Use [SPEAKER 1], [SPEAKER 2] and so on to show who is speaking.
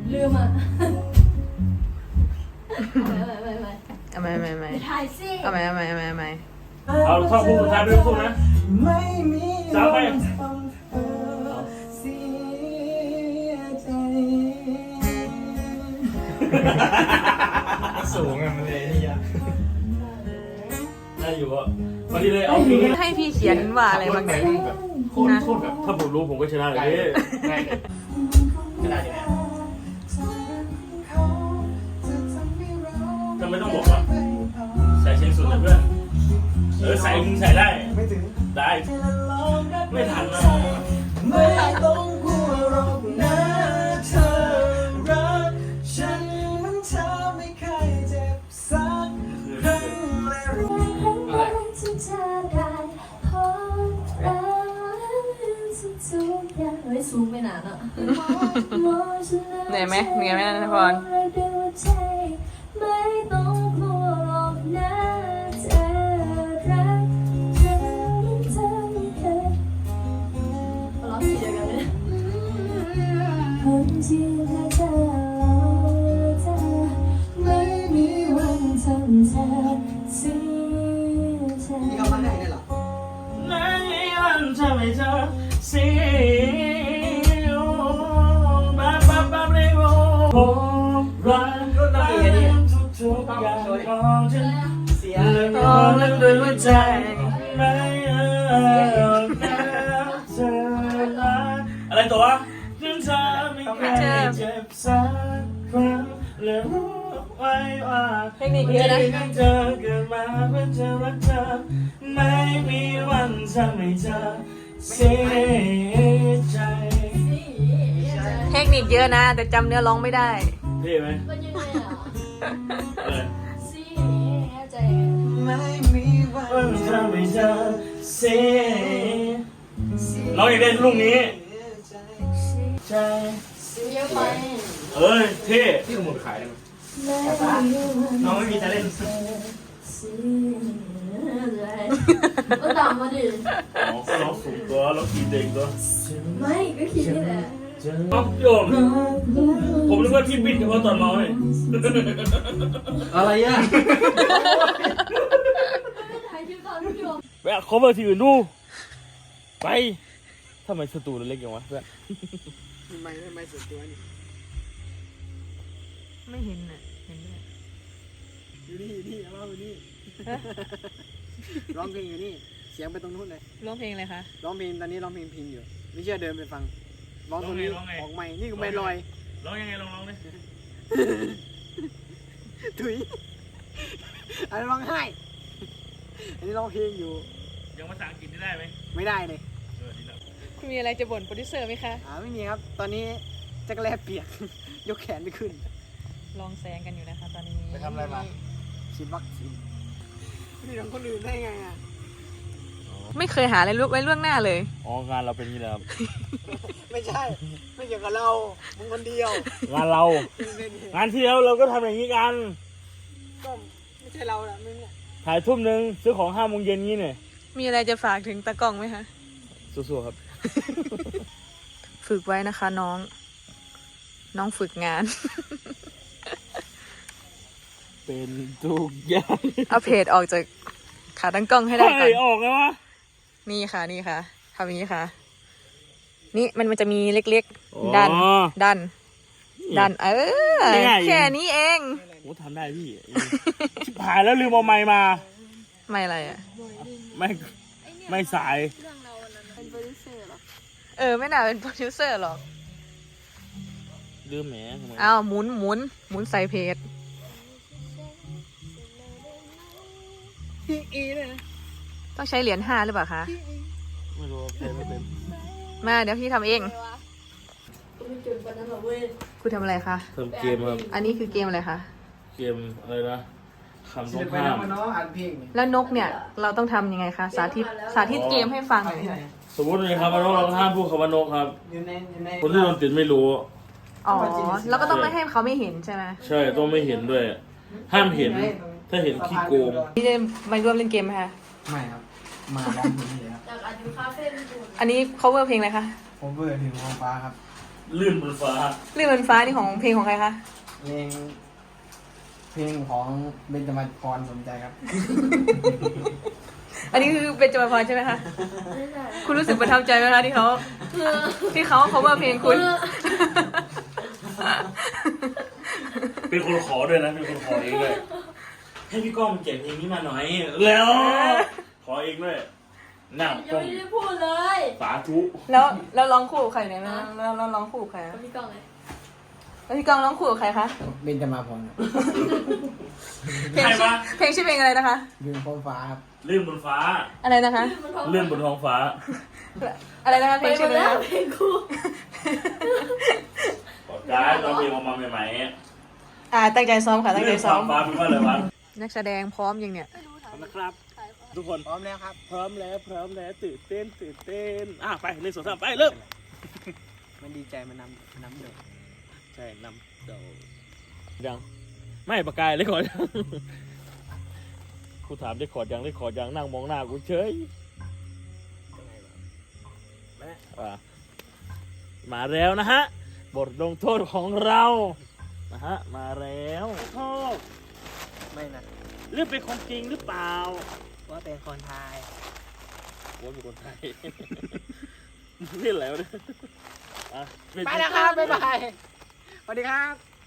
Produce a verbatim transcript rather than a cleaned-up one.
[SPEAKER 1] ลืมอ่ะเอาไปไปไปไป
[SPEAKER 2] เอาไม่ไม่ไม่
[SPEAKER 1] ถ่ายสิ
[SPEAKER 2] เอาไม่ไม่ไม่ไม่
[SPEAKER 3] เอาท่อนคู่สุดท้ายเป็นคู่นะสามไป
[SPEAKER 4] สูงอะมันเลยนี่ย
[SPEAKER 3] ได้อยู่อ่ะพอดีเลยเอาเพลง
[SPEAKER 2] ให้พี่เขียนว่าอะไรบ้างเนี่ย
[SPEAKER 4] โคตรโคตรแบบ
[SPEAKER 3] ถ้าผมรู้ผมก็ชนะเลย
[SPEAKER 4] ง่ายเลยขนาดนี้
[SPEAKER 3] ทำไมต้องบอกว่าใส่เชียงสุดนะเพื่อนเออใส่มึงใส่ได้ไม่ถึงได้ไม่ทันนะ
[SPEAKER 5] ไม่ต้องกลัวหรอกนะเธอรักฉันมันเธอไม่เคยเจ็บสักครั้งและรู้
[SPEAKER 4] อะไร
[SPEAKER 1] ที่เธอได้พบรักทุกๆอย่างไว้สูงไม่นานอ่ะ
[SPEAKER 2] เหนื่อยไหมเหนื่อยไหมนะพร
[SPEAKER 1] ไม่ต้องกลัวหรอกนะเธอรักฉันเธอไม่เคยร้องเสียกันเลยคนที่รักเธอเธอไม่มีวันทำเธอเสียใจ
[SPEAKER 5] นี่เขามาได้เนี่ยเหรอ
[SPEAKER 3] ในวันทำให้เธอเสียบ้าบ้าบ้าเลยโอ้ผมรักรักทุกๆอย่างของฉัน
[SPEAKER 5] เสีย
[SPEAKER 3] เลยขอเล่นด้วยหัวใจไม่เอาเธอละอะไรตัวฉันจะไม่เคยเจ็บสักครั้งและรู้ไว้ว่า
[SPEAKER 2] เทคนิคเยอะนะ
[SPEAKER 3] เธอเกิดมาเพื่อจะรักเธอไม่มีวันทำให้เธอเสียใจ
[SPEAKER 2] เทคนิคเยอะนะ แต่จำเนื้อร้องไม่ได้
[SPEAKER 3] เท่ไหม
[SPEAKER 1] มันยังไงอ่ะ
[SPEAKER 3] เออ
[SPEAKER 1] สิเข้าใจ
[SPEAKER 5] ไม่มีวั
[SPEAKER 3] วัน
[SPEAKER 5] น
[SPEAKER 3] ทำให้เธอเสียร้องอย่างเด่นลูกนี้
[SPEAKER 5] ใจ
[SPEAKER 3] ใจ
[SPEAKER 1] เยอะไป
[SPEAKER 3] เอ้ยเท่
[SPEAKER 4] ที่ขโมยขายได้ไหม
[SPEAKER 5] น้องไม่มีจะเล่น
[SPEAKER 1] ก็ตามมาดิ
[SPEAKER 3] อ๋อก็ร้องสูงตัวร้องขีดเด็กตัว
[SPEAKER 1] ไม่ก็คิดนี่แหละ
[SPEAKER 3] อ๋อโยมผมนึกว่าที่บิดเฉพาะตอนเมาเนี่ย
[SPEAKER 4] อะไรอ่ะ
[SPEAKER 1] ถ่ายคลิปตอนพี่โยม
[SPEAKER 3] แวะขอเบอร์ที่อื่นดูไปทำไมสตูเล็กอย่างวะเพื่อน
[SPEAKER 5] ทำไมทำไมส่วนตัวนี่
[SPEAKER 2] ไม่เห็นอ่ะเห็นด้วย
[SPEAKER 5] อยู่นี่อยู่นี่เอามาอยู่นี่ร้องเพลงอยู่นี่เสียงไปตรงนู้นเลย
[SPEAKER 2] ร้องเพลงอะไรคะ
[SPEAKER 5] ร้องเพลงตอนนี้ร้องเพลงพิงอยู่ไม่เชื่อเดินไปฟังร้องตรงนี้ออกใหม่นี่ก็ไม่ลอย
[SPEAKER 3] ร้องยังไงลองร้องดิ
[SPEAKER 5] ถุยอันนี้ร้องไห้อันนี้ร้องเพลงอยู่
[SPEAKER 3] ยังภาษาอังกฤษได้ไหม
[SPEAKER 5] ไม่ได้เลย
[SPEAKER 3] เออดีแล้ว
[SPEAKER 2] คุณมีอะไรจะบ่นโปรดิวเซอร์ไหมคะ
[SPEAKER 5] อ่าไม่มีครับ ตอนนี้จักรแลเปียก ยกแขนไม่ขึ้น
[SPEAKER 2] ลองแซงกันอยู่นะคะ ตอนนี้
[SPEAKER 4] ไปทำอะไรมา
[SPEAKER 5] ฉีดวัคซีนนี่ของคนอื่นได้ไงอ่ะ
[SPEAKER 2] ไม่เคยหาอะไรไว้ล่วงหน้าเลย
[SPEAKER 3] อ๋องานเราเป็นอย่างนี้แหละครับ
[SPEAKER 5] ไม่ใช่ ไม่เกี่ยวกับเรามึงคนเดียว
[SPEAKER 3] งานเรา งานที่แล้วเราก็ทำอย่างนี้กัน
[SPEAKER 5] ก็ไม่ใช่เราละมึงอ่ะ
[SPEAKER 3] ถ่ายทุ่มหนึ่งซื้อของห้าโมงเย็นงี้เนี่ย
[SPEAKER 2] มีอะไรจะฝากถึงตากล้องไหมคะ
[SPEAKER 3] สู้ๆครับ
[SPEAKER 2] ฝึกไว้นะคะน้อง น้องฝึกงาน
[SPEAKER 3] เป็นทุกอย่าง
[SPEAKER 2] เอาเพจออกจากขาตั้งกล้องให้ได้ก่อ
[SPEAKER 3] เฮ้ย
[SPEAKER 2] น
[SPEAKER 3] ออกแล้ววะ
[SPEAKER 2] นี่ค่ะนี่ค่ะทำอย่างนี้ค่ะ นี่มันมันจะมีเล็กๆ ดัน
[SPEAKER 3] อ๋อ
[SPEAKER 2] ดัน ดัน เออ
[SPEAKER 3] ง่ายๆ
[SPEAKER 2] แค่นี้เอง
[SPEAKER 3] โอ้ทำได้พี่ ชิบหายแล้วลืมเอาไม้มา
[SPEAKER 2] ไม่อะไรอ่ะ
[SPEAKER 3] ไม่ ไม่สาย
[SPEAKER 2] เออ ไม่น่าเป็นโปรดิวเซอร์หรอก
[SPEAKER 3] ลืมแหมทำไม
[SPEAKER 2] อ้าวหมุนหมุนหมุนใส่เพจ
[SPEAKER 5] พี่อีเลยนะ
[SPEAKER 2] ต้องใช้เหรียญห้าหรือเปล่าคะ
[SPEAKER 3] ไม่รู้ใครไม่เป็น
[SPEAKER 2] มาเดี๋ยวพี่ทำเอง
[SPEAKER 1] ไม่จุดวันนั้นหรอเว้ย
[SPEAKER 2] คุณทำอะไรคะ
[SPEAKER 3] ทำเกมครับ
[SPEAKER 2] อันนี้คือเกมอะไรคะ
[SPEAKER 3] เกมอะไรนะคำต้
[SPEAKER 5] ศิ
[SPEAKER 3] อ
[SPEAKER 5] ล
[SPEAKER 3] ง
[SPEAKER 5] ปิน
[SPEAKER 3] ห้าม
[SPEAKER 5] มาเนาะอ่านเพลงนี่
[SPEAKER 2] แล้วนกเนี่ย เราต้องทำยังไงคะ สาธิต สาธิตเกมให้ฟังหน่อยค่ะ
[SPEAKER 3] สมมติเลยครับว่านกเราห้ามพูดคำว่านกครับ
[SPEAKER 5] อยู่ในอยู่ใน
[SPEAKER 3] คนที่โดนติดไม่รู้
[SPEAKER 2] อ๋อ แล้วก็ต้องไม่ให้เขาไม่เห็นใช่ไหม
[SPEAKER 3] ใช่ต้องไม่เห็นด้วย ห้ามเห็น ถ้าเห็นขี้โกง
[SPEAKER 2] พี่จะมาร่วมเล่นเกมไหมคะ
[SPEAKER 5] ไม่ครับ มาร้องเพลงนี่เลยครับ
[SPEAKER 1] จากอายุคาเฟ่ญี่ปุ่น
[SPEAKER 2] อันนี้ cover เพลงอะไรคะ
[SPEAKER 5] ผมเบื่อถึงท้องฟ้าครับ
[SPEAKER 3] ลื่นบนฟ้า
[SPEAKER 2] เรื่องบนฟ้านี่ของเพลงของใครคะ
[SPEAKER 5] เพลงเพลงของเบนจมาพรสนใจครับ
[SPEAKER 2] อันนี้คือเป็นจมาพรใช่ไหมคะ
[SPEAKER 1] ไม่ใช่
[SPEAKER 2] คุณรู้สึกประทับใจไหมคะที่เขาที่เขาเขาว่าเพลงคุณ
[SPEAKER 3] เป็นคนขอด้วยนะเป็นคนขอเองเลยให้พี่ก้องเขียนเพลงนี้มาหน่อยแล้ว ขอเองด้วยนั่ง
[SPEAKER 1] ยั
[SPEAKER 3] ก้
[SPEAKER 1] ง
[SPEAKER 3] อง
[SPEAKER 1] ไม่ได้พูดเลย
[SPEAKER 3] สาธุ
[SPEAKER 2] แล้วแล้วร้องคู่กับใครเนี่ยนะแล้วแล้วร้องคู่กับใคร
[SPEAKER 1] กั
[SPEAKER 2] อะ
[SPEAKER 1] บพี่กองเลย
[SPEAKER 2] แล้วพี่ก้องร้องคู่กับใครคะ
[SPEAKER 5] เบนจมาพรครับ
[SPEAKER 2] เพลง
[SPEAKER 3] ใคร
[SPEAKER 2] ชื่อ
[SPEAKER 3] วะ
[SPEAKER 2] เพลงชื่อเพลงอะไรนะคะ
[SPEAKER 5] ยืนโคมฟ้าครับ
[SPEAKER 3] ลื่นบนฟ้า
[SPEAKER 2] อะไรนะคะ
[SPEAKER 3] ลื่นบนท้องฟ้า
[SPEAKER 2] อะไรนะคะเพ
[SPEAKER 1] ไป
[SPEAKER 2] ลง
[SPEAKER 1] หม
[SPEAKER 2] ชื่อ
[SPEAKER 1] ด
[SPEAKER 2] อะไร
[SPEAKER 1] แล้ว
[SPEAKER 2] นะคะ
[SPEAKER 1] เพลงคู่
[SPEAKER 3] บอกได้ตอนเพลงออกมาใหม่
[SPEAKER 2] อ่าตั้งใจซ้อมค่ะ
[SPEAKER 3] ๆ
[SPEAKER 2] ตั้งใจ
[SPEAKER 3] ลื่น
[SPEAKER 2] ซ้อ
[SPEAKER 3] ฟ้าม ฟ้าเป็นว่าอะไรวะ
[SPEAKER 2] นักแสดงพร้อมยังเนี่ย
[SPEAKER 3] นะครับ ทุกคน
[SPEAKER 5] พร้อมแล้วครับ
[SPEAKER 3] พร้อมแล้วพร้อมแล้วตื่นเต้นตื่นเต้นอ่ะไปหนึ่งสองสามไปเริ่ม
[SPEAKER 5] มันดีใจมันนำนำเดือด
[SPEAKER 3] ใช่นำเดายังไม่ปากกายเลยขอยังกูถามได้ขอดยังได้ขอดยังนั่งมองหน้ากูเฉยอ่ะมาแล้วนะฮะบทลงโทษของเรานะฮะมาแล้วโทษ
[SPEAKER 5] ไม่นะ
[SPEAKER 3] เรื่องเป็นคนจริงหรือเปล่า
[SPEAKER 5] ว่าเป็นคนไทย
[SPEAKER 3] ว่าเป็นคนไทย เล่นอะไรวะเนี่ยอ่ะ
[SPEAKER 5] ไปแล้วครับ บ๊ายบาย สวัสดีครับ